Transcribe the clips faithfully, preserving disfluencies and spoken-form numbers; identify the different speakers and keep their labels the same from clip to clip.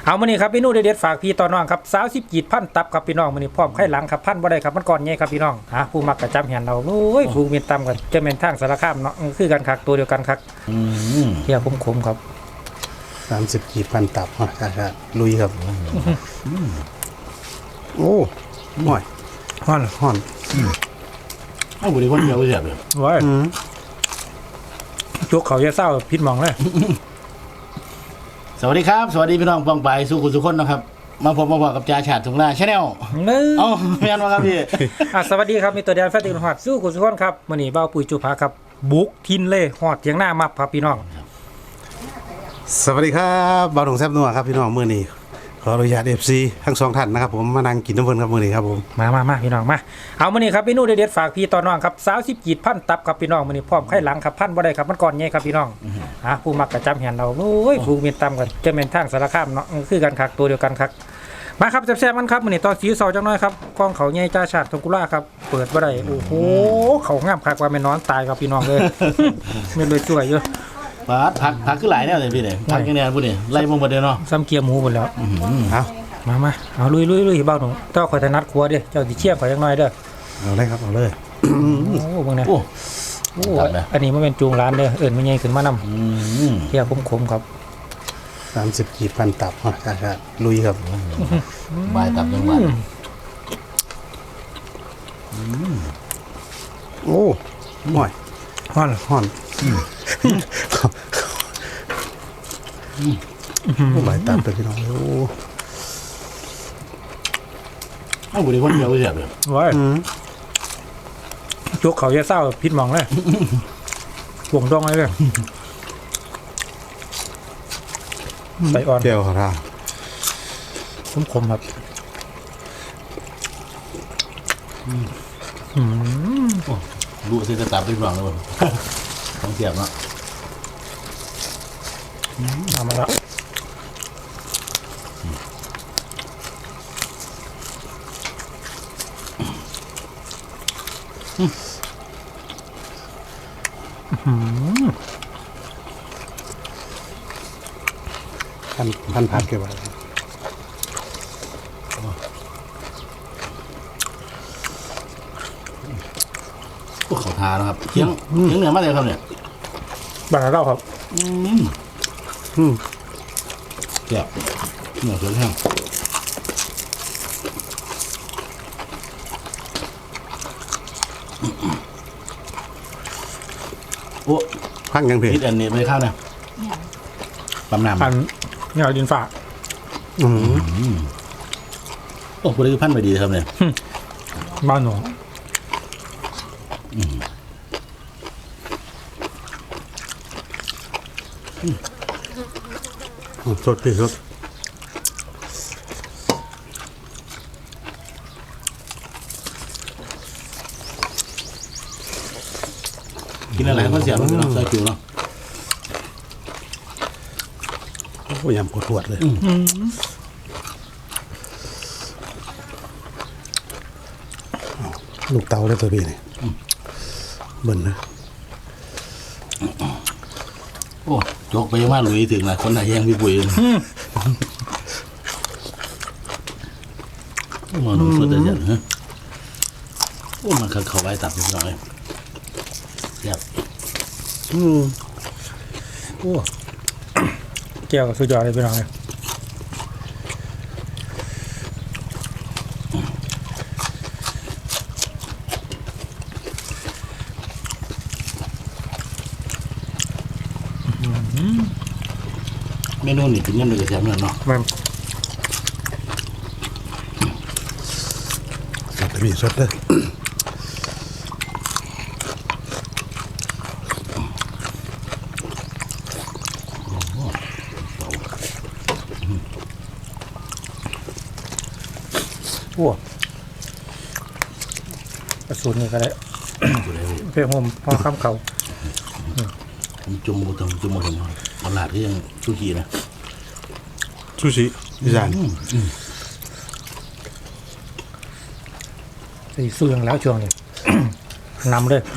Speaker 1: เอามานี่ครับพี่นู่เด็ดฝากพี่ต่อน้องครับสาวสิบกีดพันตับครับพี่น้องมานี่พร้อมไข่หลังครับพันบ่ได้ครับมันก่อนไงครับพี่น้องฮะผู้มักกระจำเห็นเราโอ้ยผู้เมียนตำกันจะเป็นทางสารคามเนาะคือกันคักตัวเดียวกันคักเที่ยวคมๆครับ
Speaker 2: สามสิบกีดพันตับฮะครับลุยครับโอ้ห่อยห่อนห่อน
Speaker 3: เอ้าบุรีคนเดียวเสียบเลย
Speaker 1: ว้ายจุกเขาจะเศร้าพิษมองเลย
Speaker 3: สวัสดีครับสวัสดีพี่น้องปองไปสู้คุณสุขคนนะครับมาพบมาบอกกับจ่าฉาดถุงหน้าชาแนลเอ้าไม่ยันมาครับพี่
Speaker 1: สวัสดีครับมีตัวเดียวแฟนตินหอดสู้คุณสุขคนครับมื่อนี้เบ้าปุ๋ยจุภาครับบุกทินเล่หอดเทียงหน้ามับครับพี่น้อง
Speaker 2: สวัสดีครับบ่าวหนุ่มแซ่บนัวครับพี่น้องมื้อนี้ขออนุญาต เอฟ ซี ทั้งสองท่านนะครับผมมานั่งกินน้ำเพิ่นครับมื้อนี้ครับผม
Speaker 1: มามามาพี่น้องมาเอามื้อนี้ครับพี่นู่เด็ดฝากพี่ต่อน้องครับสาวสิบกีดพันตับครับพี่น้องมื้อนี้พร้อมไข่หลังครับพันบ่ได้ครับมันก่อนไงครับพี่น้องฮะผู้มักกระจำเห็นเราโอ้ยผู้เมียนตำกันจะเป็นทางสารคามเนาะคือกันคักตัวเดียวกันคักมาครับแซ่บๆมันครับมื้อนี้ตอนสีเสาจังน้อยครับกองเขาใหญ่จ่าชาติทงกุลาครับเปิดบ่ได้โอ้โหเขางามคักว่าแม่นอนตายครับพี่น้องเลยไม่เลยช่วยเยอะ
Speaker 3: พักพักพักขึ้นหลายแนวเลยพี่เนี่ยพักยังไงพูดเนี่ยไล่มงประเดี๋ยวเนาะ
Speaker 1: ซ้ำเกียร์หมูหมดแล้ว
Speaker 2: เอา
Speaker 1: มามาเอาลุยลุยลุยเบ้าหนูเจ้าคอยถนัดครัวเด้เจ้าดิเชี่ยงคอยยังน้อยเด้อ
Speaker 2: เอาเลยครับเอาเลย
Speaker 1: โอ้บางเนี่ยโอ้อันนี้มันเป็นจูงร้านเด้อเอิญไม่ใหญ่ขึ้นมานำเที่ยวคมๆครับ
Speaker 2: สามสิบกีดพันตับฮะครับลุยครับ
Speaker 3: บายตับยังหวาน
Speaker 2: โอ้ห่อย
Speaker 1: ห่อน
Speaker 2: ห่อนโอ้บายตับเลยพี่น้องโอ้
Speaker 3: เอ้าบุรีคนเดียวเสียบเลย
Speaker 1: ว้ายจุกเขาจะเศร้าพิษมองเลยห่วงดองเลยเลยใส่อ่อน
Speaker 2: เดียวครับ
Speaker 1: คมๆครับ
Speaker 3: รู้สิจะตับได้หรือเปล่าเลยต้องเสียบเนาะ
Speaker 1: เอามาแล้ว
Speaker 2: พันพันพันเกี่ยวกับ
Speaker 3: พวกเขาทานะครับเคียงเคียงเหนือมาเลยครับเนี่ย
Speaker 1: บางเราครับ
Speaker 3: อืมอืมเกี่ยวเหนือสวยแห้งโอ้
Speaker 2: พังยังเผ็ด
Speaker 3: นิดอันนี้ไม่ข้าวเนี่ยปั๊มน้ำ
Speaker 1: พันเนี่ยดินฝา
Speaker 2: อืม
Speaker 3: โอ้พอดีพันไปดีครับเนี่ย
Speaker 1: บ้านหนู
Speaker 2: สดที่สุด
Speaker 3: กินอะไรก็เสียบเลยเนาะใส่ผิวเนาะ
Speaker 2: โอ้ยำปวดปวดเลยลูกเตาเลยตัวพี่นี่เบิ่นนะ
Speaker 3: โอ้ยกไปยังว่าลุยถึงนะคนไหนแย่งพี่ปุ๋ยโอ้หนุ่มสดจะเสียบฮะโอ้มันเขาไว้ตับนิดหน่อยเสียบ
Speaker 1: อืมโอ้แก้วสุดยอดเลยพี่น้องเลย
Speaker 3: เมนูนี่กินยังไงกับแซมเนาะ
Speaker 1: มัน
Speaker 2: สดมีสดเลย
Speaker 1: โอ้กระสุนนี่ก็ได้เพื่อผมพอข้ามเขา
Speaker 3: จุ่มหมดทั้งจุ่มหมดทั้งเอาหลาดที่ยังซูชินะ
Speaker 2: ซูชิอีสาน
Speaker 1: สีสู้ยังแล้วช่วงนี้นำเลย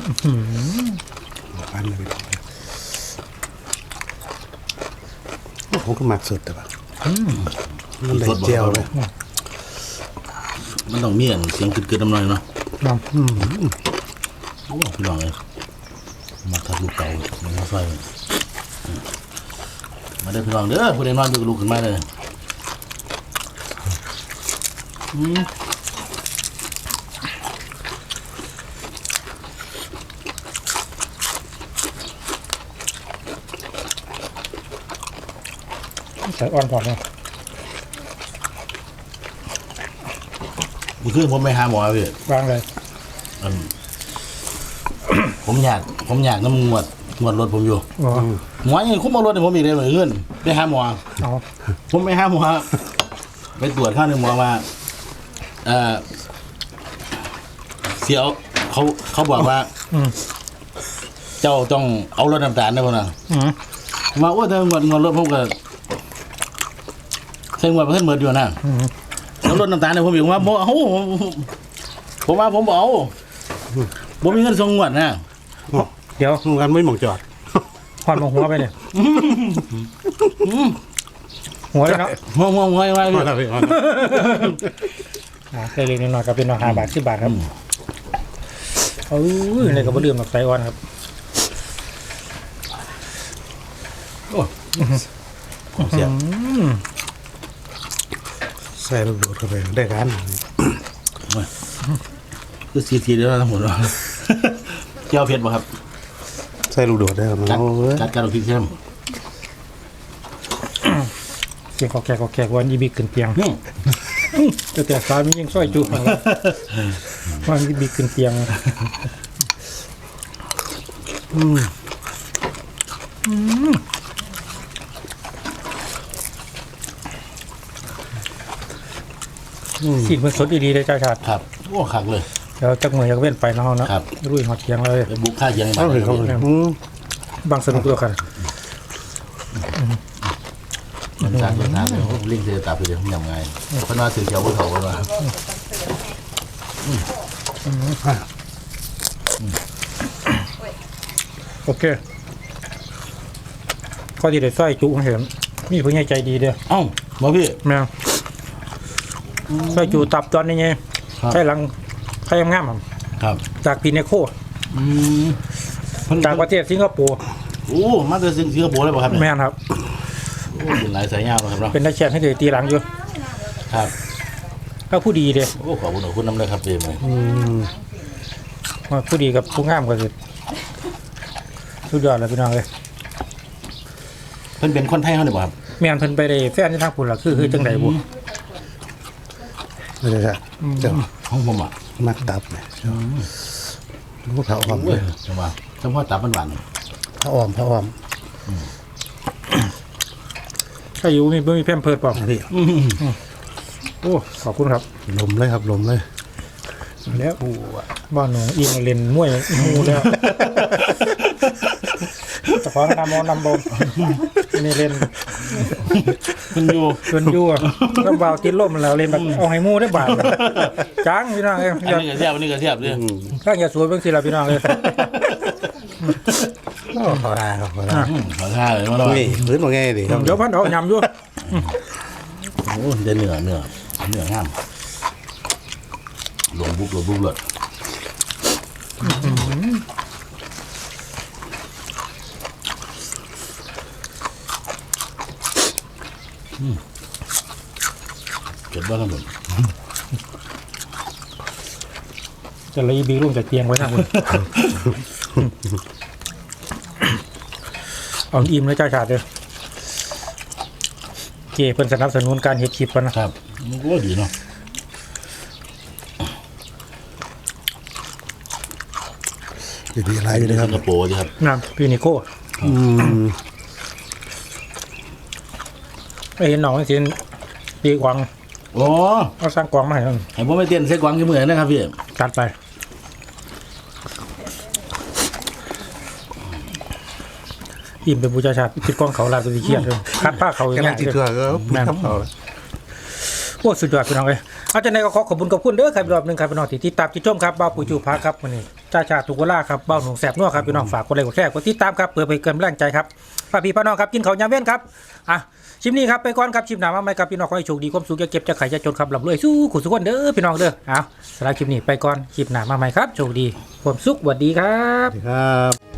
Speaker 2: อันเลย
Speaker 1: โ
Speaker 2: ผมก็มักสุดแต่ว่ามันได้เจียวเลย
Speaker 3: มันต้องมีอันเสียงกึดๆน้ำหน่อยเนาะ
Speaker 1: น้
Speaker 2: อืม
Speaker 3: โอ้พี่น้องเลยมาทับลูกเก่ามาไฟมาได้พี่น้องเด้อผู้ใดนอนอยู่กับลูกขึ้นมาเลยอืม
Speaker 1: ำใส่อ่อนพอเนาะ
Speaker 3: นี่คือผมไปหาหมอพี่
Speaker 1: วางเลย
Speaker 3: อัน ผมอยากผมอยากน้ำงวดงวดรถผมอยู่
Speaker 1: อ๋อ
Speaker 3: หมอยังคุ้มมารถให้ผมอีกเลยเหมือนเพื่อนไปหาหมอ
Speaker 1: เอา
Speaker 3: ผมไปหาหมอไปตรวจข้างหนึ่งหมอมาเออเสียวเขาเขาบอกว่า
Speaker 1: อืม
Speaker 3: เจ้าต้องเอารถน้ำตาลได้ป่ะนะ
Speaker 1: อืม
Speaker 3: มาว่าถ้างวดงวดรถผมก็ใช้งวดเพิ่นเหมือนอยู่นะ
Speaker 1: อืม
Speaker 3: แล้วรถน้ำตาลเนี่ยผมบอกว่าบ่เอาผมว่าผมบเอาผมมีเงินส่งงวดนะ
Speaker 1: เดี๋ยว
Speaker 2: งานไม่หมองจอด
Speaker 1: หอนมาหัวไปเนี่ยหัวเลยเนาะ
Speaker 3: หัวหัวหัวไว้
Speaker 2: พอแล้วพี่พอแล้ว
Speaker 1: อ่าเล็กๆน้อยๆก็เป็นราคาบาทสิบบาทครับเออในกระเบื้องแบบไซออนครับ
Speaker 3: เสีย
Speaker 1: อืม
Speaker 2: ใส่ลูกโดดเข้าไปได้การ
Speaker 3: คือซีทีเดียวทั้งหมดว่าเจ้าเผ็ดป่ะครับ
Speaker 2: ใส่ลูกโดดได้ครับ
Speaker 3: กัด
Speaker 2: โอ้ย
Speaker 3: กัดกัดเอาพริกเข้ม
Speaker 1: เสียงขอแขกขอแขกวันยีบีขึ้นเตียง
Speaker 3: อืม
Speaker 1: แต่แต่สามียังช่วยจุกวันยีบีขึ้นเตียง
Speaker 2: อืม
Speaker 1: สิ่งมันสดดีๆเลยจ้าชาติ
Speaker 3: ครับโอ้คักเลย
Speaker 1: เดี๋ยวจักมือจักเว้นไปเนาะเนาะ
Speaker 3: ครับ
Speaker 1: รุ่ยหอดเตียงเลย
Speaker 3: ไปบุกข้าเคียง
Speaker 2: เข้าเลยเข้าเลยอืม
Speaker 1: บางสนุกด้วยกัน
Speaker 3: มันสร้างเรื่องน้ำเลยลิงเสียตาไปเดี๋ยวผมยำไงเพราะว่าสื่อเจ้าบนเขาว่า
Speaker 1: โอเคข้อที่ได้สร้อยจุเห็นมีผู้ใหญ่ใจดีเด้อ
Speaker 3: เอ้าบ่พี่
Speaker 1: แม่สร้อยจุตับตอนนี้ไง
Speaker 3: ครับ
Speaker 1: ใช่หลังใครงามๆครับ
Speaker 3: ครับ
Speaker 1: จากปีเนโค
Speaker 3: อืมเพิ่น
Speaker 1: จากประเทศสิงคโปร์
Speaker 3: โอ้มาจากสิงคโปร์เลยป่ะครับเนี่ย
Speaker 1: แม่นครับ
Speaker 3: โอ้เป็นหลายสายยาวนะครับเนาะ
Speaker 1: เป็นนักแข่งให้เดือตีหลังอยู่
Speaker 3: ครับ
Speaker 1: ก็ผู้ดีเด้อ
Speaker 3: โอ้ขอบคุณขอบคุณน้ำเลยครับเดมเลย
Speaker 2: อืม
Speaker 1: ว่าผู้ดีกับผู้งามก็คือสุดยอดเลยพี่น้องเลย
Speaker 3: เพิ่นเป็นคนไทยเขาเนี่ยป่ะครับ
Speaker 1: แม่นเพิ่นไปได้แฟนที่ทางพุ่นล่ะคือคือจังไดบ่
Speaker 2: ไม่ใช่ใช่เจ้า
Speaker 3: ของผมอ่ะ
Speaker 2: มักตับเนี่ยลูกเผาอ้อม
Speaker 3: เว้ยจังหวะเฉพาะตับมันหวาน
Speaker 2: เผาอ้อมเผาอ้อม
Speaker 1: ถ้าอยู่มีบ่มีแพมเพิร์ดเปล่า
Speaker 2: พี่
Speaker 1: โอ้ขอบคุณครับ
Speaker 2: ลมเลยครับลมเลย
Speaker 1: แล้วบ้านหนูอิงเล่นมวยมูแล้วแต่ขอนำเอานำบอมนี่เล่น
Speaker 3: มันอยู่
Speaker 1: ชวนยั่วแล้วเบาติดลมแล้วเล่นแบบเอาให้มูได้บาทจังพี่น้องเอ้ย
Speaker 3: อันนี้ก็เทียบอันนี้ก็เทียบเลย
Speaker 1: ข้างอย่าสวยเบิ่งสิล่ะพี่น้องเอ้ย
Speaker 2: โอ้ขอได้ครับขอได้
Speaker 3: อืมขอท่าเลยมาหน่อย
Speaker 2: นี่พื้นว่าไงดิครับ
Speaker 1: เดี๋ยวพันเอายำอยู่
Speaker 3: โอ้เดนเนื้อเนื้อเนื้องามหลวงบุกหลวงบุกเลยเก็บบ้างครับผม
Speaker 1: จะเลยบีรุ่งจากเตียงไว้นะคุณเอาอิ่มเลยจ้าชาติเลยเก๋เพิ่นสนับสนุนการเฮ็ดคลิปปะนะครับ
Speaker 3: มันก็ดีเนาะ
Speaker 2: ดีๆอะไรอยู่เลยครับ
Speaker 3: สิงคโปร์ดีครับ
Speaker 1: น้ำพี่นิโก้
Speaker 2: อืม
Speaker 1: ไม่เห็นน้องไม่เห็นตีกวาง
Speaker 3: โอ้
Speaker 1: เอาสร้างกวางมาให้เพิ่น
Speaker 3: ให้ผมไปเต้นเซ็กกวางกี่มือนะครับพี่
Speaker 1: จัดไปอิ่มเป็นบูชาชาติคิดกล้องเขาลาตัวเครียดเลยคัดผ้าเขาอย่าง
Speaker 2: กำลั
Speaker 1: เงี้
Speaker 2: ง
Speaker 1: ย
Speaker 2: จิตเถื่อก็ปีนทับเขาเลย
Speaker 1: โอ้สุดยอดพี่น้องเลยเอาจากไหนก็ขอขอบคุณขอบคุณเด้อครับอีกรอบหนึงครับพี่น้องที่ติดตามที่ชมครับบ้าวปุ๋ยจูพาครับวันนี้จ้าชาติทุกเวลาครับบ้าวหนุ่มแสบนัวครับพี่น้องฝากกดไลค์กดแชร์กดติดตามครับเพื่อเป็นกำลังใจครับฝากพี่พี่น้องครับกินข้าวยามเว้นครับอ่ะชิปนี้ครับไปก่อนครับชิปหน้ามาใหม่ครับพี่น้องขอให้โชคดีความสุขอย่าเก็บจะไข่จะจนครับร่ำรวยสู้ขุสุขคนเด้อพี่น้องเด้อเอาสำหรับคลิปนี้ไปก่อนคลิปหน้ามาใหม่ครับโชคดีความสุขสวัสดีครับ
Speaker 2: สวัสดีครับ